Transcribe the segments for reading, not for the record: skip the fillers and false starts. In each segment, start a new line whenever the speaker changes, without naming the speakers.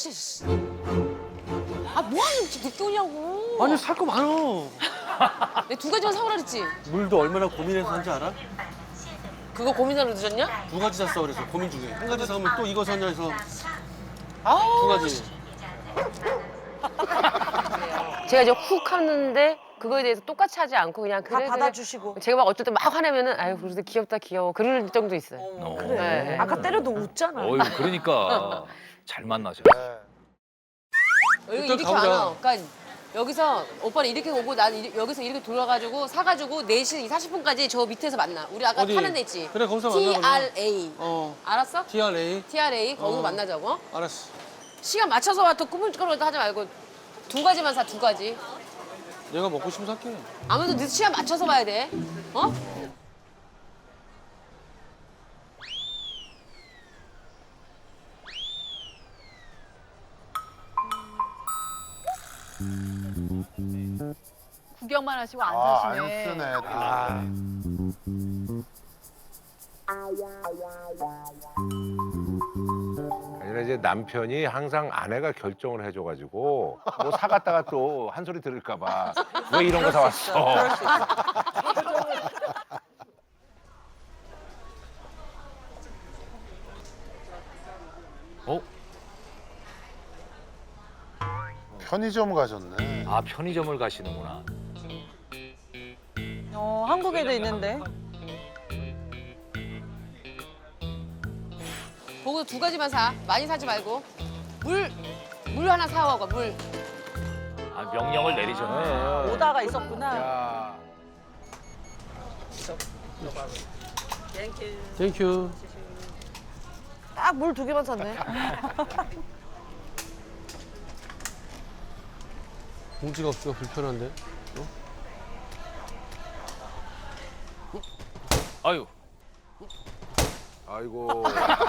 씨. 아, 뭐하는 이렇게 늦게 오냐고.
아니 살 거 많어.
내가 두 가지만 사오라 그랬지?
물도 얼마나 고민해서 산지 알아?
그거 고민하러 늦었냐?
두 가지 샀어 그래서 고민 중에. 한 가지 사면 또 이거 사냐 해서
아우.
두 가지.
제가 이제 훅 하는데 그거에 대해서 똑같이 하지 않고 그냥
다
그래
받아주시고.
제가 막 어쩔 때 막 화내면은 아유 그래도 귀엽다 귀여워 그럴 정도 있어요.
그래.
네.
아까 때려도 웃잖아.
어유 그러니까 잘 만나셨어.
여기
일단
이렇게
가보자.
안 와. 그러니까 여기서 오빠는 이렇게 오고 나는 여기서 이렇게 돌아가지고 사가지고 4시 40분까지 저 밑에서 만나. 우리 아까
어디?
타는 데 있지?
그래, 거기서 만나, 그러면.
TRA.
어.
알았어?
TRA.
TRA 거기서
어.
만나자고. 어?
알았어.
시간 맞춰서 와 또 꾸물꾸물 하지 말고 두 가지만 사, 두 가지.
내가 먹고 싶으면 살게.
아무래도 늦 시간 맞춰서 봐야 돼. 어?
구경만 하시고 안
안
사시네.
쓰네.
아니라 이제 남편이 항상 아내가 결정을 해줘가지고 뭐 사갔다가 또 한 소리 들을까봐 왜 이런 거 사왔어?
어?
편의점 가셨네.
아 편의점을 가시는구나.
한국에도 있는데.
거기서 두 가지만 사. 많이 사지 말고. 물 하나 사와봐, 물.
아 명령을 내리셨네.
오다가 있었구나.
야,
땡큐.
딱 물 2개만 샀네.
봉지가 없으니까 불편한데.
아유
아이고.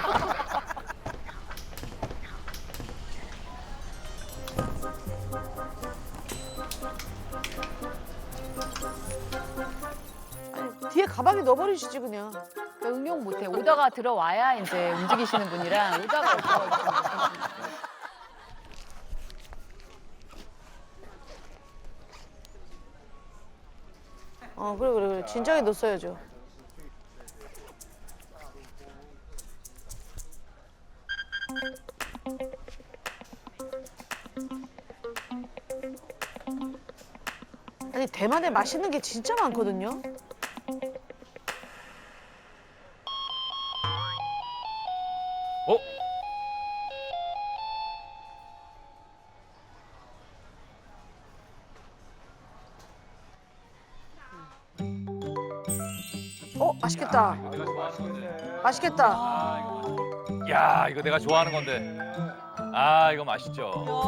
아니, 뒤에 가방에 넣어버리시지 그냥.
그러니까 응용 못해. 오다가 들어와야 이제 움직이시는 분이라 오다가 없어가지고.
그래. 진작에 넣었어야죠. 아니 대만에 맛있는 게 진짜 많거든요.
어?
맛있겠다. 맛있겠다.
야 이거 내가 좋아하는 건데. 아 이거 맛있죠.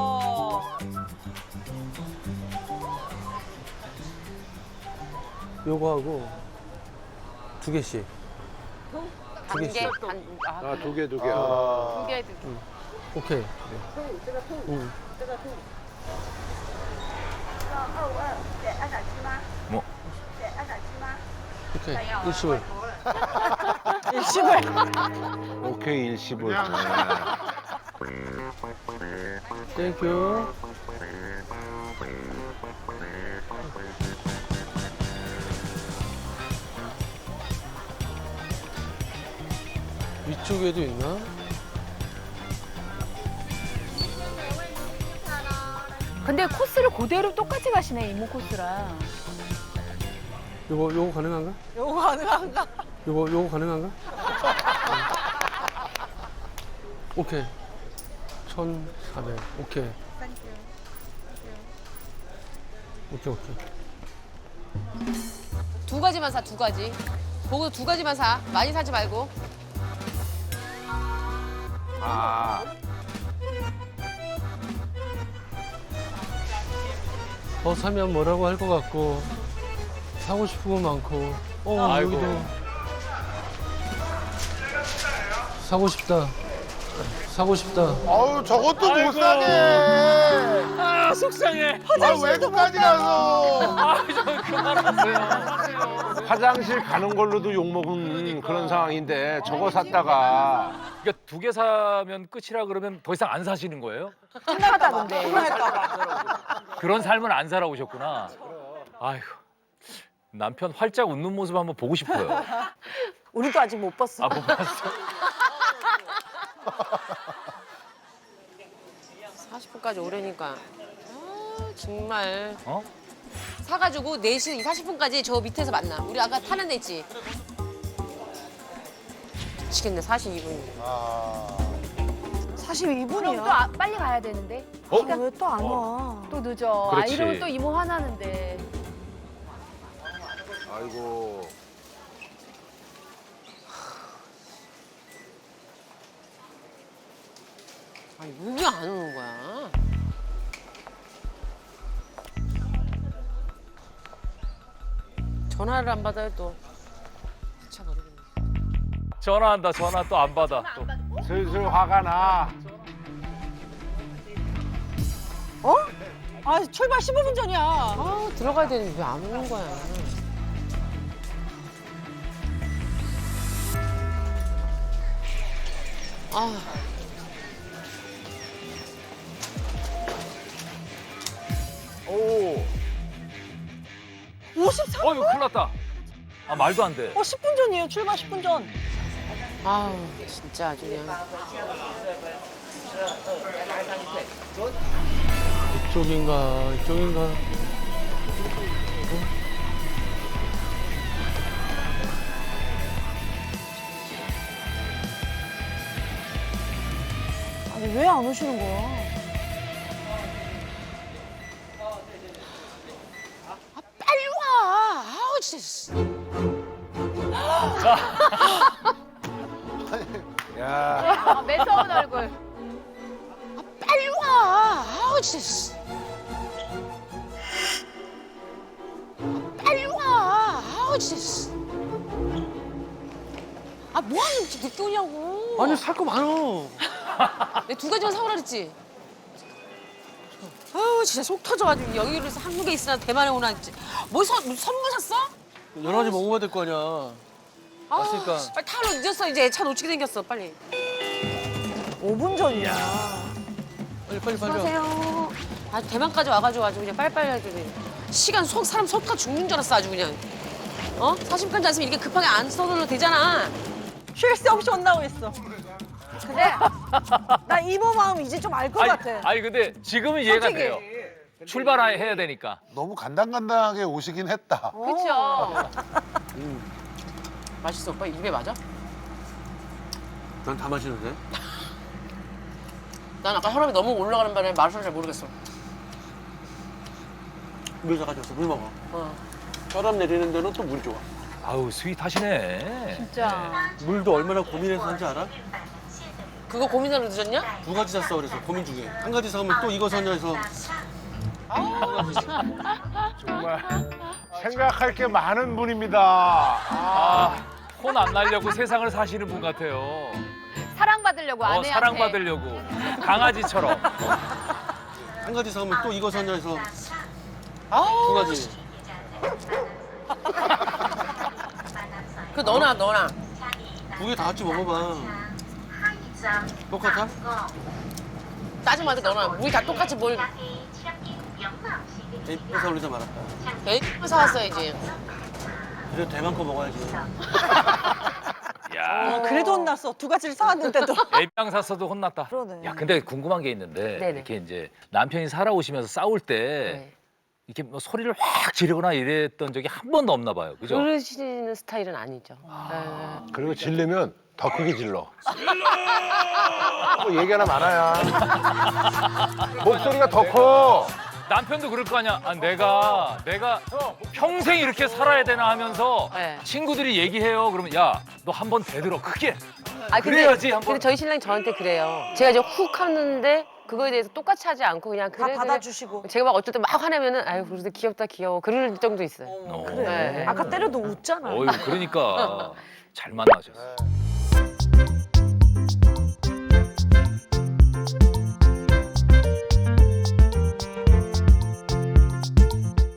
요거 하고 2개씩. 두 개씩.
아, 두 개.
두 개, 두 개.
오케이. 응.
뭐?
오케이. 일시불.
오케이 일시불.
땡큐. 위쪽에도 있나?
근데 코스를 그대로 똑같이 가시네, 이모 코스랑.
요거 가능한가?
요거 가능한가?
요거 가능한가? 오케이. 1,400. 오케이. 오케이.
두 가지만 사, 두 가지. 거기서 두 가지만 사. 많이 사지 말고.
아,
더 사면 뭐라고 할 것 같고 사고 싶은 거 많고
아이고.
여기도 사고 싶다.
어우, 저것도 못 사게.
아 속상해.
외국까지 가서.
아, 좀 그만하세요.
화장실 가는 걸로도 욕먹은 그런 상황인데 저거 샀다가
그러니까 2개 사면 끝이라 그러면 더 이상 안 사시는 거예요?
생각하다 근데.
그런 삶을 안 살아오셨구나. 아이고. 남편 활짝 웃는 모습 한번 보고 싶어요.
우리도 아직 못 봤어.
아, 못 봤어?
40분까지 오래니까. 아, 정말.
어?
사가지고 4시 40분까지 저 밑에서 만나. 우리 아까 타는 데 있지? 미치겠네, 42분.
아.
42분이야.
그럼 또 빨리 가야 되는데.
왜 또 안 와?
또 늦어. 아
그렇지.
이러면 또 이모 화나는데.
아이고
아니, 왜 안 오는 거야? 전화를 안 받아요, 또. 미쳐버리겠네.
전화한다, 전화 또 안 받아. 또.
슬슬 화가 나.
아 출발 15분 전이야.
아, 들어가야 되는데 왜 안 오는 거야? 아,
오.
53?
이거 큰일 났다. 아, 말도 안 돼.
10분 전이에요. 출발 10분 전.
아우, 진짜 아주 그냥.
이쪽인가 이쪽인가.
아니 왜 안 오시는 거야?
빨리 와! 아우, 진짜.
야
아, 매서운 얼굴.
빨리 와! 아우, 진짜. 빨리 와! 아우, 진짜. 아, 뭐하는 이렇게 늦게 오냐고.
아니 살 거 많어.
내가 2가지만 사오라 그랬지? 아우, 진짜 속 터져가지고 여기로 한국에 있으나 대만에 오나 했지. 뭐 선물 샀어?
여러 가지 먹어봐야 될 거 아니야.
아,
왔으니까.
빨리 타러 늦었어. 이제 차 놓치게 생겼어. 빨리.
5분 전이야.
빨리 빨리.
안녕하세요. 아, 대만까지 와가지고 아주 그냥 빨리빨리 해야 돼. 시간 사람 속가 죽는 줄 알았어. 아주 그냥. 어? 40분까지 안 쓰면 이렇게 급하게 안 써도 되잖아.
쉴 새 없이 혼나고 있어. 근데 나 이모 마음 이제 좀 알 것 같아.
아니, 근데 지금은 이해가
솔직히.
돼요. 출발해야 되니까.
너무 간당간당하게 오시긴 했다.
그렇죠. 맛있어. 오빠 입에 맞아?
난 다 마시는데.
난 아까 혈압이 너무 올라가는 바람에 맛을 잘 모르겠어.
물 사가졌어. 물 먹어.
어.
혈압 내리는 데는 또 물 좋아.
아우, 스윗하시네.
진짜.
물도 얼마나 고민해서 산지 알아?
그거 고민하러 늦었냐?
2가지 샀어 그래서 고민 중에. 한 가지 사면 또 이거 사냐 해서.
정말 생각할 게 많은 분입니다.
아, 혼 안 날려고 세상을 사시는 분 같아요.
사랑받으려고 아내한테.
사랑받으려고. 강아지처럼.
한 가지 사면 또 이거 사냐 해서.
아우.
2가지.
그 너나.
2개 다 같이 먹어봐. 똑같아?
짜증나게 너나. 우리 다 똑같이 뭘
에이프사 올리자 말았다.
에이프 사왔어야지.
그래도 대만 거 먹어야지.
야,
그래도 혼났어. 2가지를 사왔는데도.
애병 샀어도 혼났다.
그러네.
야, 근데 궁금한 게 있는데
네네.
이렇게 이제 남편이 살아오시면서 싸울 때
네.
이렇게 뭐 소리를 확 지르거나 이랬던 적이 한 번도 없나 봐요. 그죠?
그러시는 스타일은 아니죠. 네.
그리고 질르면 더 크게 질러. 뭐 얘기 하나 많아야. 목소리가 더 커.
남편도 그럴 거 아니야. 아, 내가 평생 이렇게 살아야 되나 하면서
네.
친구들이 얘기해요. 그러면 야, 너 한 번 대들어 크게.
아,
그래야지 한번.
근데 저희 신랑이 저한테 그래요. 제가 이제 훅 하는데 그거에 대해서 똑같이 하지 않고 그냥
다
그래.
받아주시고.
제가 막 어쩔 때 막 화내면은 아유 그래도 귀엽다 귀여워 그럴 정도 있어요.
어.
그래.
네.
아까 때려도 웃잖아.
어휴, 그러니까 잘 만나셨어.